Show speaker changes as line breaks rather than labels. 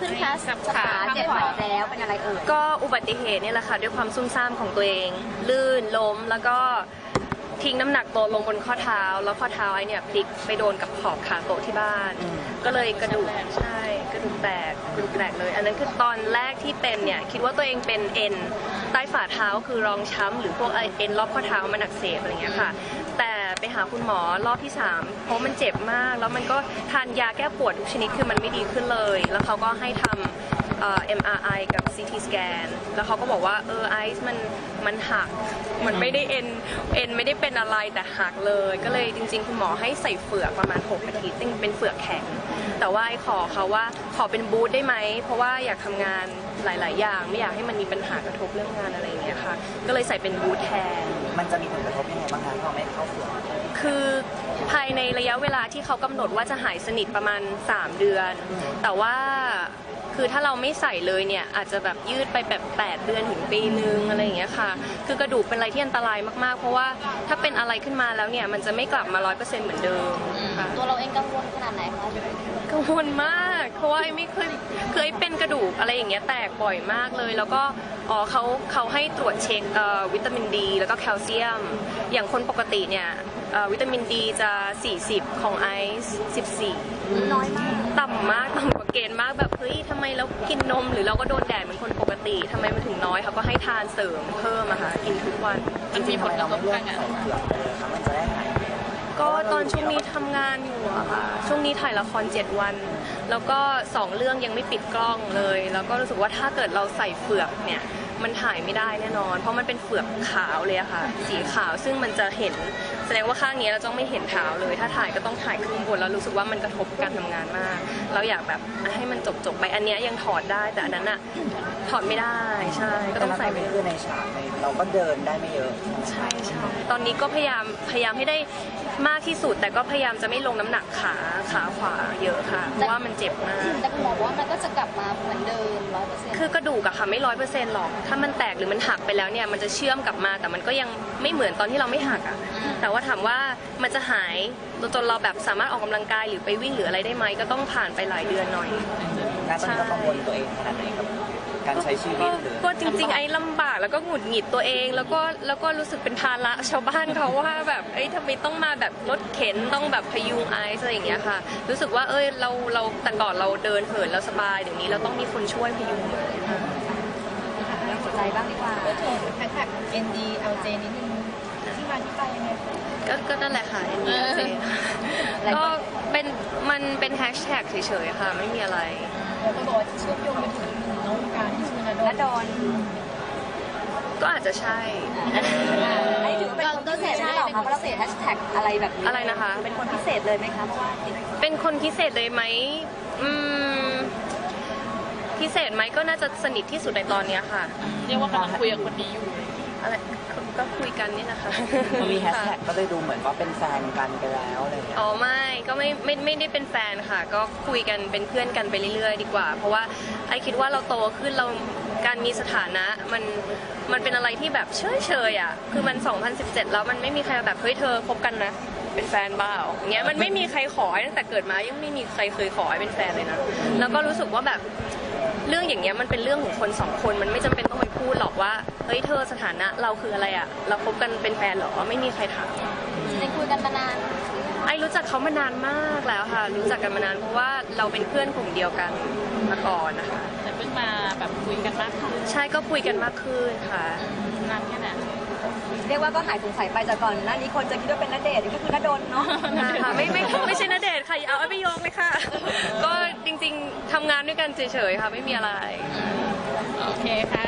ขึ้นแคสขาเจ็บแล้วเป็นอะไร
ก็อุบัติเหตุนี่แหละค่ะด้วยความซุ่มซ่ามของตัวเองลื่นล้มแล้วก็ทิ้งน้ำหนักตัวลงบนข้อเท้าแล้วข้อเท้าไอ้เนี่ยพลิกไปโดนกับขอบขาโต๊ะที่บ้านก็เลยกระดูกใช่กระดูกแตกเลยอันนั้นคือตอนแรกที่เป็นเนี่ยคิดว่าตัวเองเป็นเอ็นใต้ฝ่าเท้าคือรองช้ำหรือพวกเอ็นรอบข้อเท้ามันอักเสบอะไรเงี้ยค่ะแต่ไปหาคุณหมอรอบที่3เพราะมันเจ็บมากแล้วมันก็ทานยาแก้ปวดทุกชนิดคือมันไม่ดีขึ้นเลยแล้วเขาก็ให้ทำMRI กับ CT scan แล้วเขาก็บอกว่าไอซ์มันหักมันไม่ได้เอ็นไม่ได้เป็นอะไรแต่หักเลยก็เลยจริงๆคุณหมอให้ใส่เฝือกประมาณ6 อาทิตย์เป็นเฝือกแข็งแต่ว่าไอ้ขอเขาว่าขอเป็นบูทได้ไหมเพราะว่าอยากทำงานหลายๆอย่างไม่อยากให้มันมีปัญหากระทบเรื่องงานอะไรอย่างเงี้ยค่ะก็เลยใส่เป็นบูทแทน
มันจะมีผลกระทบยังไงบ้างคะถ้าเราไม่เข้าเฝือก
คือภายในระยะเวลาที่เขากำหนดว่าจะหายสนิทประมาณ3 เดือนแต่ว่าคือถ้าเราไม่ใส่เลยเนี่ยอาจจะแบบยืดไปแบบ8 เดือนถึงปีนึงอะไรอย่างเงี้ยค่ะคือกระดูกเป็นอะไรที่อันตรายมากๆเพราะว่าถ้าเป็นอะไรขึ้นมาแล้วเนี่ยมันจะไม่กลับมา 100% เหมือนเดิมค่ะ
ตัวเราเองกังวลขนาดไหนคะ
กังวลมากเพราะว่าไม่เคยเป็นกระดูกอะไรอย่างเงี้ยแตกบ่อยมากเลยแล้วก็เขาให้ตรวจเช็ควิตามินดีแล้วก็แคลเซียมอย่างคนปกติเนี่ยวิตามินดีจะ40ของไอซ์14
น้อยมาก
ต่ำมากต่ำกว่าเกณฑ์มากแบบเฮ้ยทำไมเรากินนมหรือเราก็โดนแดดเหมือนคนปกติทำไมมันถึงน้อยเขาก็ให้ทานเสริมเพิ่มอะค่ะกินทุกวัน
มันมีผลกระทบทางงานมันจะได้หาย
ก็ตอนช่วงนี้ทำงานอยู่อะค่ะช่วงนี้ถ่ายละคร7 วันแล้วก็2 เรื่องยังไม่ปิดกล้องเลยแล้วก็รู้สึกว่าถ้าเกิดเราใส่เฝือกเนี่ยมันถ่ายไม่ได้แน่นอนเพราะมันเป็นเฝือกขาวเลยอะค่ะสีขาวซึ่งมันจะเห็นแสดงว่าข้างนี้เราต้องไม่เห็นเท้าเลยถ้าถ่ายก็ต้องถ่ายขึ้นบนแล้วรู้สึกว่ามันกระทบการทำงานมากเราอยากแบบให้มันจบไปอันนี้ยังถอดได้แต่อันนั้นอะถอดไม่ได้ใช่ก็ต้องใส่ไป
คือในฉากเราก็เดินได้ไม่เยอะ
ใช่ตอนนี้ก็พยายามให้ได้มากที่สุดแต่ก็พยายามจะไม่ลงน้ำหนักขาขวาเยอะค่ะเพราะว่ามันเจ็บมาก
แต่คุณหมอบอกว่ามันก็จะกลับมาเหมือนเดิม
100%คือกระดูกอะค่ะไม่100%หรอกถ้ามันแตกหรือมันหักไปแล้วเนี่ยมันจะเชื่อมกลับมาแต่มันก็ยังไม่เหมือนตอนที่เราไม่หักอะแต่ว่าถามว่ามันจะหายจนเราแบบสามารถออกกำลังกายหรือไปวิ่งหรืออะไรได้ไหมก็ต้องผ่านไปหลายเดือนหน่อย
น่าจะกังวลตัวเองขนาดไหนครับการใช้ชีวิต
ก็จริงๆไอ้ลำบากแล้วก็หงุดหงิดตัวเองแล้วก็รู้สึกเป็นภาระชาวบ้านเขาว่าแบบทำไมต้องมาแบบรถเข็นต้องแบบพยุงไอซ์อะไรอย่างเงี้ยค่ะรู้สึกว่าเราแต่ก่อนเราเดินเหินแล้วสบายเดี๋ยวนี้เราต้องมีคนช่วยพยุง
หัวใจบ้างดีกว่าแฮชแท็ก NDLJ นิดนึงที่มาที่ไปยังไง
ก็นั่นแหละค่ะ NDLJ ก็มันเป็นแฮชแท็กเฉยๆค่ะไม่มีอะไร
แล้วก็บอกว่าเชื่อมโยงไปถึงน้องการที่ชื่อณดอน
ก็อาจจะใช่
ไอ้ถือเป็นคนพิเศษหรือเปล่าคะเพราะเราเสียแฮชแท็กอะไรแบบนี้
อะไรนะคะ
เป็นคนพิเศษเลยไหมคะเพราะว่า
เป็นคนพิเศษเลยไหมพิเศษไหมก็น่าจะสนิทที่สุดในตอนนี้ค่ะ
เรียกว่ากำลังคุยกับคนนี้อยู่
อะไรก็คุยกันนี่นะคะ
มันมีแฮชแท็กก็เลยดูเหมือนว่าเป็นแฟนกันไปแล้วอะไรอย่างเงี้ย
อ๋อไม่ก็ไม่ได้เป็นแฟนค่ะก็คุยกันเป็นเพื่อนกันไปเรื่อยๆดีกว่าเพราะว่าไอคิดว่าเราโตขึ้นเราการมีสถานะมันเป็นอะไรที่แบบเฉยๆอ่ะคือมัน2017แล้วมันไม่มีใครแบบเฮ้ยเธอคบกันนะเป็นแฟนบ้าอย่างเงี้ยมันไม่มีใครขอตั้งแต่เกิดมายังไม่มีใครเคยขอให้เป็นแฟนเลยนะแล้วก็รู้สึกว่าแบบเรื่องอย่างเงี้ยมันเป็นเรื่องของคน2 คนมันไม่จำเป็นต้องไปพูดหรอกว่าเฮ้ยเธอสถานะเราคืออะไรอ่ะเราคบกันเป็นแฟนหรอไม่มีใครถาม
ได้คุยกันมานาน
ไอรู้จักเขามานานมากแล้วค่ะรู้จักกันมานานเพราะว่าเราเป็นเพื่อนกลุ่มเดียวกันมาก่อนนะคะ
แต่เพิ่งมาแบบคุยกันมากขึ้น
ใช่ก็คุยกันมากขึ้นค่ะ
นานแค่ไหนเรียกว่าก็หายสงสัยไปจากก่อนหน้านี้คนจะคิดว่าเป็นณเดชน์ก็คือณดลเนาะ
ค่ะไม่ใช่ณเดชน์ค่ะเอาไปโยงเลยค่ะก็จริงๆทำงานด้วยกันเฉยๆค่ะไม่มีอะไร
โอเคค่ะ